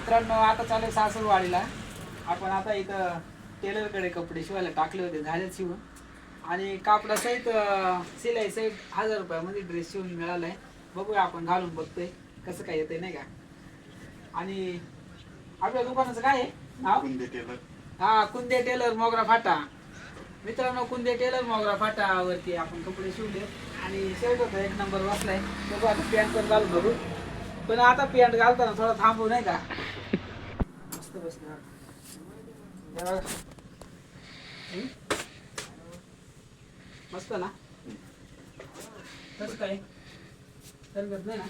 मित्रांनो आता चालू सासूरवाडीला. आपण आता इथं टेलरकडे कपडे शिवायला टाकले होते, झाले शिवून. आणि कापडासहित शिलाई सहित 1000 रुपयामध्ये ड्रेस शिवून मिळालाय. बघूया आपण घालून बघतोय कसं काय येतंय नाही का. आणि आपल्या दुकानाचं काय आहे नाव? कुंदे टेलर. हा, कुंदे टेलर मोगरा फाटा. मित्रांनो, कुंदे टेलर मोगरा फाटावरती आपण कपडे शिवले आणि शर्ट होता एक नंबर बसलाय. बघू आता पॅन्ट पण घालून बघू. पण आता पॅन्ट घालताना थोडा थांबू नाही का. मस्त बसणार मस्त ना. कसं काय तरगत नाही ना.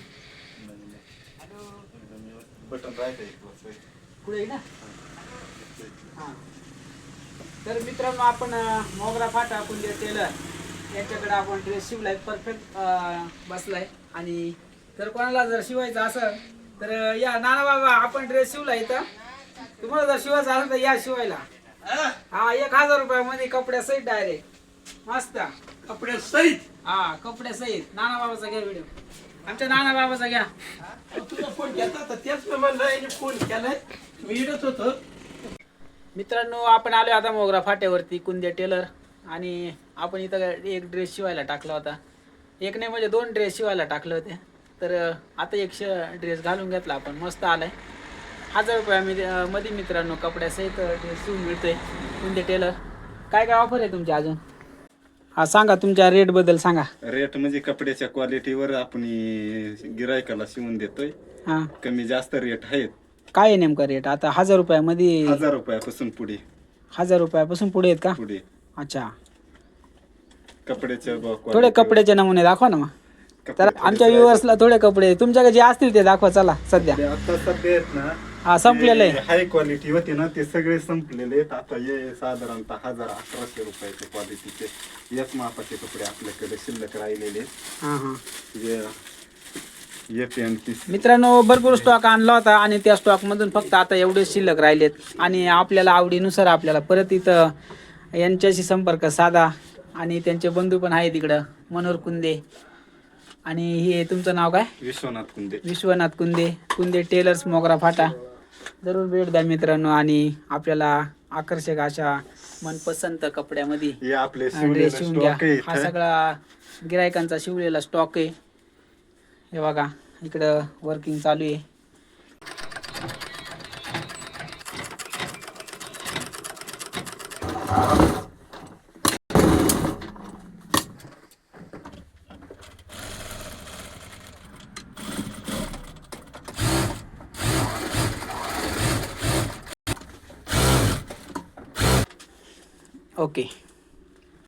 बटन राहते पुढे ना. हां, तर मित्रांनो आपण मोगरा फाटा कुंदे टेलर यांच्याकडे आपण ड्रेस शिवलाय, परफेक्ट बसलाय. आणि तर कोणाला जर शिवायचं असेल तर या नाना बाबा, आपण ड्रेस शिवला इथं. तुम्हाला जर शिवायचं असेल तर या शिवायला. हा, 1000 रुपयामध्ये कपड्यासहित डायरेक्ट मस्त कपडे सहित. हा, कपड्यासहित. नाना बाबाचा घ्या व्हिडिओ, आमच्या नाना बाबाचा घ्या. तुझा फोन घेतला तर त्याच प्रमाणे फोन केलाय, मी इडत होतो. मित्रांनो, आपण आलो आता मोगरा फाट्यावरती कुंदे टेलर. आणि आपण इथं एक ड्रेस शिवायला टाकला होता. एक नाही म्हणजे 2 ड्रेस शिवायला टाकले होते. तर आता एक ड्रेस घालून घेतला आपण, मस्त आलाय. 1000 रुपयामध्ये मित्रांनो कपड्यासहित ड्रेस शिवून मिळतोय कुंदे टेलर. काय काय ऑफर आहे तुमच्या अजून? हा सांगा, तुमच्या रेट बद्दल सांगा. रेट म्हणजे कपड्याच्या क्वालिटीवर आपण गिरायकाला शिवून देतोय. हा, कमी जास्त रेट आहेत. काय आहे नेमका रेट आता? 1000 रुपयामध्ये? 1000 रुपयापासून पुढे. 1000 रुपयापासून पुढे आहेत का? पुढे. अच्छा, कपड्याच्या थोडे कपड्याचे नमुने दाखवा ना मग. तर आमच्या व्ह्युअर्सला थोडे कपडे तुमच्याकडे जे असतील ते दाखवा. चला, सध्या आता सध्या आहेत ना, हा संपलेलं आहे. हाय क्वालिटी होते ना ते सगळे संपलेले आहेत. आता हे साधारणतः 1100-1200 रुपयाचे क्वालिटीचे एक मापाचे कपडे आपल्याकडे शिल्लक राहिलेले आहेत. हां हां, हे पॅन्ट पीस. मित्रांनो, भरपूर स्टॉक आणला होता आणि त्या स्टॉकमधून फक्त आता एवढे शिल्लक राहिलेत. आणि आपल्याला आवडीनुसार आपल्याला परत इथं यांच्याशी संपर्क साधा. आणि त्यांचे बंधू पण आहेत इकडं, मनोहर कुंदे. आणि हे तुमचं नाव काय? विश्वनाथ कुंदे. विश्वनाथ कुंदे, कुंदे टेलर्स मोगरा फाटा. जरूर भेट द्या मित्रांनो. आणि आपल्याला आकर्षक अशा मनपसंत कपड्यामध्ये हे आपले ड्रेस शिवून घ्या. स्टॉक आहे हा इथं. सगळा गिरायकांचा शिवलेला स्टॉक आहे. हे बघा, इकडं वर्किंग चालू आहे. ओके.